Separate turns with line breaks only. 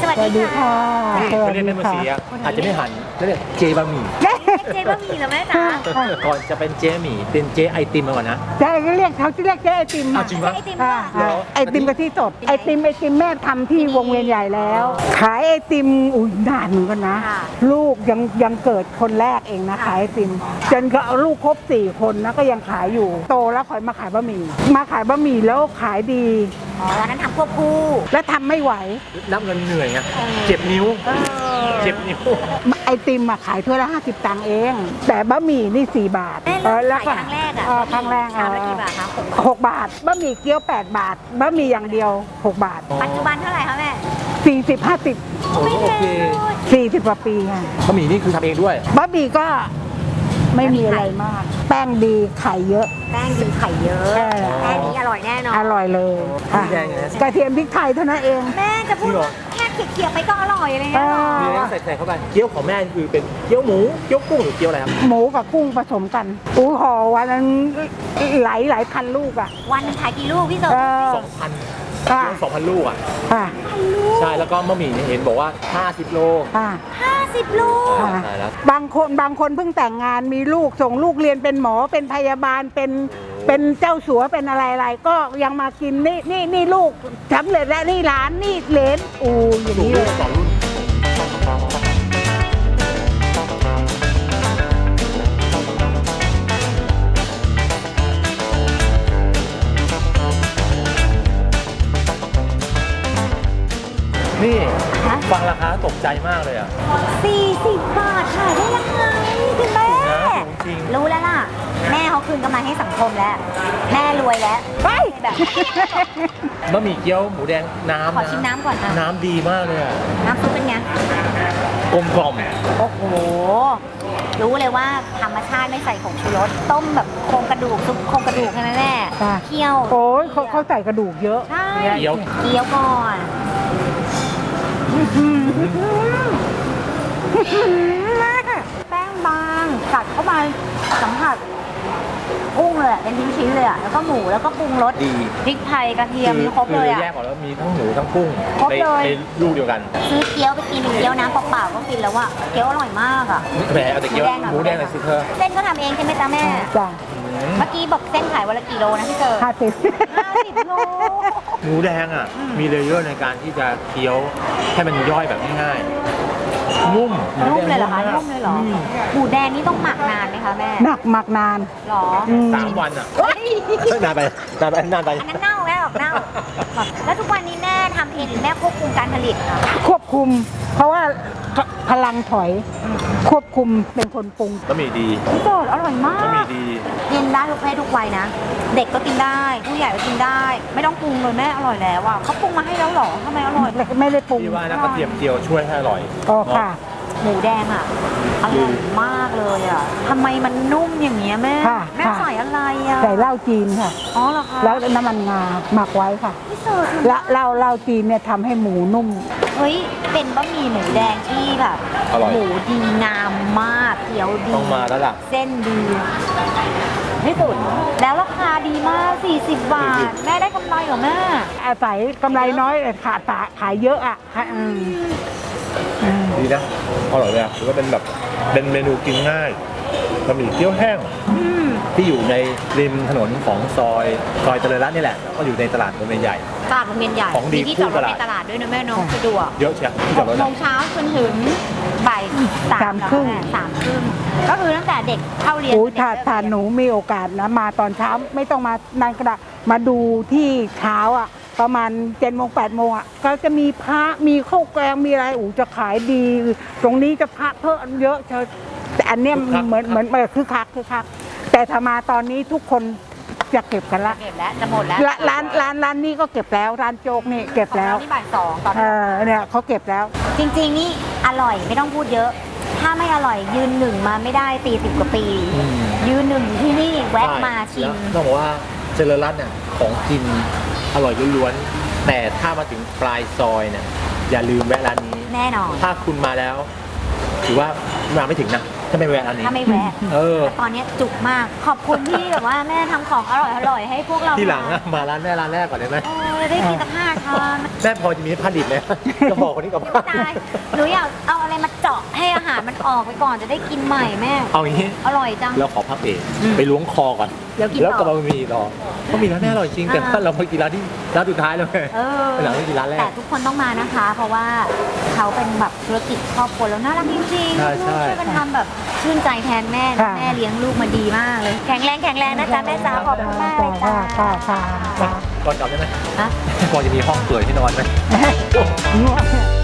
วัสดีค่ะ
เขาเรียกแม่มาสีอาจจะไม่หันเรียกเจบะหมี่
เจ๊บะหมี่เหรอแม่จ๋า
ก่อนจะเป็นเจหมี่เป็นเจไอติมมาก่อนนะ
ใช่เขาเรียกเจ๊ไอติม
อ้าวจริงปะ
ไอติม
อ่า
เหรอ
ไอติมกะทิสดไอติมแม่ทำที่วงเวียนใหญ่แล้ว ขายไอติมอุ้ยนานเหมือนกันนะ ลูกยังเกิดคนแรกเองนะขายไอติมจนก็เอาลูกครบ4 คนนะก็ยังขายอยู่โตแล้วค่อยมาขายบะหมี่แล้วขายดี
อ๋อตอนนั้นทำควบคู่
แล้วทำไม่ไหว
นับเงินเหนื่อยไงเจ็บนิ้วเจ็บนิ้ว
ไอติมมาขายถ้วยละ50 ตังค์เอง แต่บะหมี่นี่4 บาท
แม่เริ่มขายครั้งแรกอ่ะ
ครั้งแรก
ชามละกี่บาทคะ
6 บาทบะหมี่เกี๊ยว8 บาทบะหมี่อย่างเดียว6 บาท
ปัจจุบันเท่าไหร่คะแม่
40
โอ้โอเค
50 40 กว่าปีค่ะ
บะหมี่นี่คือทำเองด้วย
บะหมี่ก็ไม่มีอะไรมาก แป้งดีไข่เยอะ
แป้งดีไข่เยอะ
ใช่
แค่นี้อร่อยแน่นอน
อร่อยเลยค่ะ
แดงไงนะ
กระเทียมพริกไทยเท่านั้นเอง
แม่จะพูดว่าแค่เคี่ยวๆไปก็อร่อยอะไรเงี้ยหรอ
มีอะไรใส่เข้าไปเกี๊ยวของแม่คือเป็นเกี๊ยวหมูเกี๊ยวกุ้งหรือเกี๊ยวอะไรครับ
หมูกับกุ้งผสมกันอู้ห่อวันนั้นหลายพันลูกอ่ะ
วันหนึงขายกี่ลูกพี่เต๋อ
2,000
ค่ะ
เกี๊ยว2,000 ลูกอ่ะ
ค่ะ
ใช่แล้วก็บะหมี่เนี่ยเห็นบอกว่า 50 โล
ค่ะ
50 ลูก
ค่ะ
ตายแล้ว
บางคนเพิ่งแต่งงานมีลูกส่งลูกเรียนเป็นหมอเป็นพยาบาลเป็นเจ้าสัวเป็นอะไรก็ยังมากินนี่ลูกสำเร็จแล้วนี่หลานนี่เหลนอูอย่าง
สูง
นี้
ลู
เล
ก
ย
2 รุ่นนี่
ฮะ
ฟังราคาตกใจมากเลยอ่ะ
40 บาทขายได้ยังไงคุณแม่
สูงจริง
รู้แล้วล่ะ แม่เขาคืนกำไรให้สังคมแล้ว แม่รวยแล้ว
ไป
แบบ
บะหมี่เกี๊ยวหมูแดงน้ำ
ขอชิมน้ำก่อนนะ
น้ำดีมากเลยอ่ะ
น้ำซุปเป็นไง
กลมกล่อม
โอ้โห รู้เลยว่าธรรมชาติไม่ใส่ผงชูรส ต้มแบบโครงกระดูกซุปโครงกระดูกใช่ไหมแม่
ค่ะ
เคี่ยว
โอ้ยเขาใส่กระดูกเยอะ
ใช่
เกี๊ยว
เกี๊ยวก่อนแป้งบางกัดเข้าไปสัมผัสกุ้งเลยอะเป็นชิ้นๆเลยอ่ะ แล้วก็หมูแล้วก็ปรุงรส
ดี
พริกไทยกระเทียมมีครบเลยอ่ะ
แยกออกแล้วมีทั้งหมูทั้งกุ้ง
ครบ
ใน
เลย
ในลูกเดียวกัน
ซื้อเกี๊ยวไปกินเกี๊ยวน้ำเปล่าๆก็กินแล้วอ่ะเกี๊ยวอร่อยมากอ่ะ
แหมเอาแต่เกี๊ยวหมูแดงหน่อยสิเธอ
เส้นก็ทำเองใช่ไหมจ๊ะแม่
จ้ะ
เมื่อกี้บอกเส้นขายวันละกี่โลนะพี่เจอ
50
50 โล
หมูแดงอ่ะ มีเลเยอร์ในการที่จะเคี้ยวให้มันย่อยแบบง่ายๆนุ่ม
นุ่มเลยเหรอคะ
มาก
นุ่มเลยเหรอหมูแดงนี่ต้องหมักนานไหมคะแม่
หมักนาน
หรอ
3 วันอ่ะ
เฮ้ย
นานไปนานไปนานไป
อันนั้นเน่าแล้วเน่าแล้วทุกวันนี้แม่ทำเองหรือแม่ควบคุมการผลิตคะ
ควบคุม เพราะว่าพลังถอยควบคุมเป็นคนปรุง
บะหมี่ดี
พี่โจทย์อร่อยมา
บะหมี่
ก
ดี
กินได้ทุกเพศทุกวัยนะ เด็กก็กินได้ ผู้ใหญ่ก็กินได้ ไม่ต้องปรุงเลยแม่อร่อยแล้วอ่ะเขาปรุงมาให้แล้วเหรอทำไมอร่อย
ไม่ได้ปรุง
พี่ว่านะกระเทียมเจียวช่วยให้อร่อย
อ๋อค่ะ
หมูแดงอ่ะอร่อยมากเลยอ่ะทำไมมันนุ่มอย่างเงี้ยแม่
ค่ะ
แม่
ค่ะ
ใส่อะไรอ่ะ
ใส่เหล้าจีนค่ะ
อ๋อเหรอคะ
แล้วน้ำมันงาหมักไว้ค่ะ
พี่เสิร์ช
และเหล้าจีนเนี่ยทำให้หมูนุ่ม
เฮ้ยเป็นบะหมี่หมูแดงที่แบบ
อร่อย
หมูดีงามมากเกี๊ยวดี
ต้องมาแล้วล่ะ
เส้นดีที่สุดแล้วราคาดีมาก 40 บาท แม่ได้กำไรเหรอแม่
อาศัยกำไรน้อยแต่ขายเยอะอ่ะค่ะ
ดีนะอร่อยเลยอ่ะถือว่าเป็นแบบเป็นเมนูกินง่ายบะหมี่เกี๊ยวแห้งที่อยู่ในริมถนนของซอยเจริญรัตน์นี่แหละก็อยู่ในตลาดวงเวียนใหญ่
ตลาดโรงเรียนใหญ่
ของดี
มีที่จอดรถ
คู่ตลาด
ในตลาดด้วยนะแม่เน้องสะดวก
เยอะเชียวที่จอดรถ
6 โม
อะ
งเช้าจนถึงบ่าย
3 ครึ่ง
3 ครึ่งก็คือตั้งแต่เด็กเข้าเรียน
โอ้
เด็ก
ถ้าหนูมีโอกาสนะมาตอนเช้าไม่ต้องมานานกระดาษมาดูที่เช้าอ่ะ ประมาณ7 โมง 8 โมงอ่ะก็จะมีพระมีข้าวแกงมีอะไรจะขายดี ตรงนี้จะพระเพิ่มเยอะเธอแต่อันเนี้ยเหมือนคือคักแต่ถ้ามาตอนนี้ทุกคนจะเก็บกันละ
เก็บแล้วจะหมดแล้ว
ร้านนี้ก็เก็บแล้วร้านโจ๊กนี่เก็บแล้ว
ของเรานี่บ่าย 2ตอน
เนี่ยเขาเก็บแล้ว
จริงๆนี่อร่อยไม่ต้องพูดเยอะ ถ้าไม่อร่อยยืนหนึ่งมาไม่ได้40 กว่าปี ยืนหนึ่งอยู่ที่นี่แวะมาชิม
แล้วต้องบอกว่าเจริญรัตน์เนี่ยของกินอร่อยล้วนๆแต่ถ้ามาถึงปลายซอยเนี่ยอย่าลืมแวะร้านนี้
แน่นอน
ถ้าคุณมาแล้ว ถือว่ามาไม่ถึงนะถ้าไม่แวะร้านนี้
ถ้าไม่แวะ
เออ
ตอนนี้จุกมาก ขอบคุณที่แบบว่าแม่ทำของอร่อยๆให้พวกเรา
ที่หลังอะมาร้านแรกก่อนได้ไหม
โอ้จะได้กินสัก5 ชาม
แม่พอจะมีผ้าดิบไหมจะบอกคนนี้กับ
เดี๋ยว
ผ้า
ตายหนูอยากเอาอะไรมาเจาะให้อาหารมันออกไปก่อนจะได้กินใหม่แม่
เอาอย่างนี้
อร่อยจัง
เราขอพักเบรกไปล้วงคอก่อน
เดี๋ยวกิน
แล้ว
ต่
ก็
อ
มามีรอเพราะมีร้านแน่อร่อยจริงแต่
อ่า
ว่าเรามากินร้านที่ร้านสุดท้ายแล้วไง
เออ
เป็นหลังไม่กินร้านแร
แต่
ก
ทุกคนต้องมานะคะ เพราะว่าเขาเป็นแบบธุรกิจครอบครัวแล้วน่ารักจริงๆ
ใช่
ลูก
ใช่
ช่วยกันทำแบบชื่นใจแทนแม่นะ
ค่ะ
แม่เลี้ยงลูกมาดีมากเลย แข็งแรงนะจ๊ะแม่สาวขอบคุณมากเลยจ้า
ค่ะค่ะ
ก่อนกลับได้ไหม
ฮะ
พอจะมีห้องเปลือยที่นอนไหม
ค่ะ